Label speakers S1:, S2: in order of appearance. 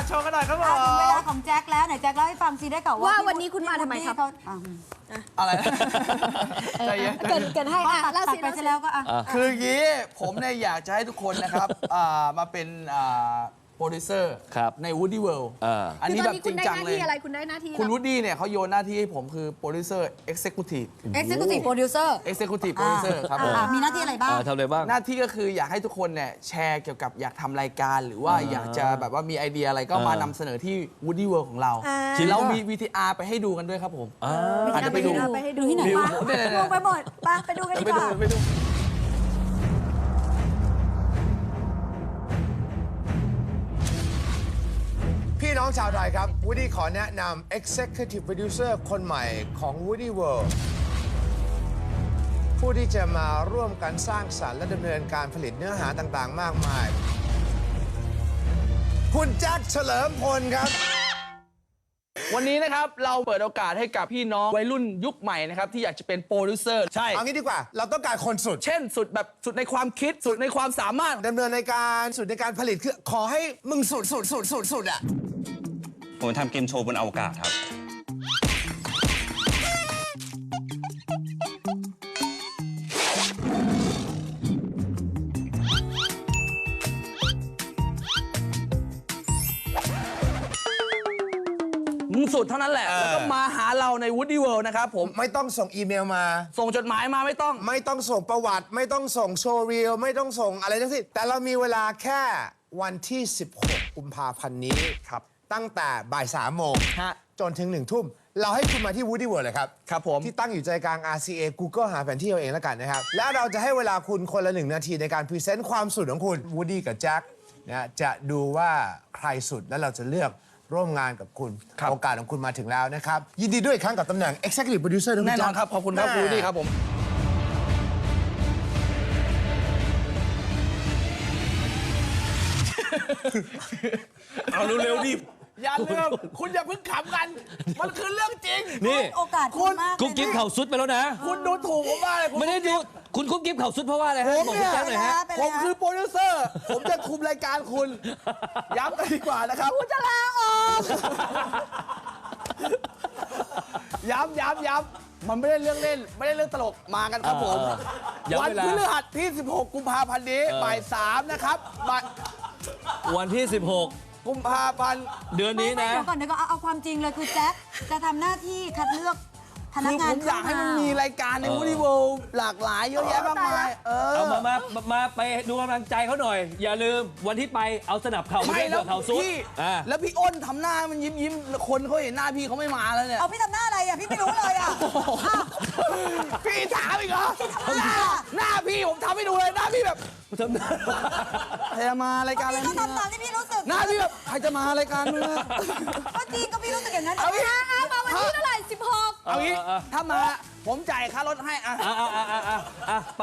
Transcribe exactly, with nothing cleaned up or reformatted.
S1: โชว์กันหน่อยครับผม
S2: ถึงเวลาของแจ็คแล้วไหนแจ็คเล่าให้ฟังซีได้ก่อนว่า
S3: ว่าวันนี้คุณมาทำไมครับ
S1: อะไรใจเย็น
S3: เกิดเกิดให้อ่ะ
S2: ตัด
S3: เล่า
S2: ตัด
S3: สิ
S2: ไปซะแล้วก็อ่ะ
S1: คืออย่างนี้ผมเนี่ยอยากจะให้ทุกคนนะครับอ่ามาเป็นอ่าโปรดิวเซอร์
S4: ครับ
S1: ใน Woody World
S4: อ่า
S1: อัน
S3: คือ
S1: นี้
S3: ตอน
S1: แบบ
S3: นี้
S1: จ
S3: คุ
S1: ริ
S3: ณ
S1: ง
S3: ได้
S1: จัง
S3: หน้า
S1: เลย
S3: ที่อะไรคุณได้หน้าที่
S1: คุณ
S3: อะไร
S1: วูดดี้เนี่ยเขาโยนหน้าที่ให้ผมคือโปรดิวเซอร์เอ็กเซคิวทีฟ
S2: Executive Producer
S1: Executive Producer ครับผม
S2: อ่ามีหน้าที่อะไรบ้าง
S4: อ่าทำอะไรบ้าง
S1: หน้าที่ก็คืออยากให้ทุกคนเนี่ยแชร์เกี่ยวกับอยากทำรายการ หรือว่าอยากจะแบบว่ามีไอเดียอะไรก็มา
S4: อ่าน
S1: ำเสนอที่ Woody World ของเรา
S3: อ่า
S1: เรามี วี ที อาร์ ไปให้ดูกันด้วยครับผม
S4: อ่า
S1: อาจจะไปดู
S3: ไปให้ดู
S2: ดูที่ไหน
S3: ป
S2: วะ
S3: งงไปหมดไปไปดูกันดี
S1: ไป
S3: ก
S1: ดู
S3: ว่า
S1: ไปดู
S5: พี่น้องชาวไทยครับ Woody ขอแนะนำ Executive Producer คนใหม่ของ Woody World ผู้ที่จะมาร่วมกันสร้างสรรค์และดำเนินการผลิตเนื้อหาต่างๆ มากมาย คุณแจ็คเฉลิมพลครับ
S1: วันนี้นะครับเราเปิดโอกาสให้กับพี่น้องวัยรุ่นยุคใหม่นะครับที่อยากจะเป็นโปรดิวเซอร์ใช่
S5: เอางี้ดีกว่า เราต้องการคนสุด
S1: เช่นสุดแบบสุดในความคิดสุดในความสามารถ
S5: ดำเนินในการสุดในการผลิตคือขอให้มึงสุดสุดสุดสุดสุดอ่ะ
S6: ผมทำเกมโชว์บนอวกาศครับ
S1: มึงสุดเท่านั้นแหละ
S5: เออ
S1: แล้วก็มาหาเราใน Woody World นะครับผม
S5: ไม่ต้องส่งอีเมลมา
S1: ส่งจดหมายมาไม่ต้อง
S5: ไม่ต้องส่งประวัติ ไม่ต้องส่งโชว์รีลไม่ต้องส่งอะไรทั้งสิ้นแต่เรามีเวลาแค่วันที่ สิบหก กุมภาพันธ์นี้ครับตั้งแต่บ่ายสามโมง
S1: ฮะ
S5: จนถึงหนึ่งทุ่ม เราให้คุณมาที่ Woody World เลยครับ
S1: ครับผม
S5: ที่ตั้งอยู่ใจกลาง อาร์ ซี เอ Google หาแผนที่เอาเองแล้วกันนะครับ และเราจะให้เวลาคุณคนละหนึ่งนาทีในการพรีเซนต์ความสุดของคุณ Woody กับแจ็คนะจะดูว่าใครสุดและเราจะเลือกร่วมงานกับคุณ โอกาสของคุณมาถึงแล้วนะครับยินดีด้วยอีกครั้งกับตำแหน่ง Executive Producer ะคุณ
S1: แน่นอน
S5: แจ็
S1: ครับขอบคุณครับ
S5: แม่
S1: Woody ครับผม
S4: เอาเร็วๆดิ
S1: อย่าลืมคุณอย่าเพิ่งขำกัน มันคือเรื่องจริง
S4: นี่
S2: โอกาสคุณมาก
S4: กุ๊บกิ๊บเข่าซุดไปแล้วนะ
S1: คุณดูถูกผมมากเลยคุณ
S4: ไม่ได้ดูคุณกุ๊บกิ๊บเข่าซุดเพราะว่าอะไรฮะ
S1: ผม
S4: บอก
S1: เนี่
S4: คุณ
S1: ย
S4: แจ๊คหน่อยฮะ
S1: ผมคือโปรดิวเซอร์ ผมจะคุมรายการคุณ ย้ำกันดีกว่านะครับ
S3: กูจะลาออก
S1: ย้ำย้ำย้ำมันไม่ได้เรื่องเล่น ไม่ได้เรื่องตลกมากันครับผม
S4: เออย้ำ
S1: วัน
S4: เวลา
S1: พฤหัสที่ สิบหก กุมภาพันธ์นี้บ่ายสามนะครับบ่าย
S4: วันที่ สิบหก
S1: กุมภาพันธ์
S4: เดือนนี้
S2: ไม่
S4: นะ
S2: เดี๋ยวก่อนเดี๋ยวก่อนเอาเอาความจริงเลยคือแจ็คจะทำหน้าที่คัดเลือกพนัก
S1: คือผ
S2: งาน
S1: มอยากให้มันมีรายการใน
S4: เออ
S1: Woody World หลากหลายเยอะแยะมากมาย เออ
S4: เอามามามามาไปดูกำลังใจเขาหน่อย อย่าลืมวันที่ไปเอาสนับเข่า
S1: ไม่
S4: ไม่
S1: แล้ว
S4: เข่าซุด
S1: พี่
S4: อ่า
S1: แล้วพี่อ้นทำหน้ามันยิ้มยิ้มคนเขาเห็นหน้าพี่เขาไม่มาแล้วเนี่ย
S2: เอาพี่ทำหน้าอะไรอ่ะพี่ไม่รู้เลยอ่ะอ้าว
S1: พี่ถามอีกเหรอ
S2: ทำหน้า
S1: หน้าพี่ผมทำให้ดูเลยหน้าพี่แบบ
S4: ทำได้
S1: ใครจะมารายการอะไร
S2: พี่ก็
S1: นี่
S2: ทำตามที่พี่รู้สึก
S1: หน้าพี่แบบใครจะมารายการมึงอะ
S2: ก็จริงก็พี่รู้สึกอย่างนั้น
S1: เอางี้
S3: อ่ะอ่ะมาวันที่เท่าไหร่สิบหก
S1: เอางี้ถ้ามาผมจ่ายค่ารถให้อะ
S4: อ่ะอ่ะอ่ะอ่ะอ่ะไป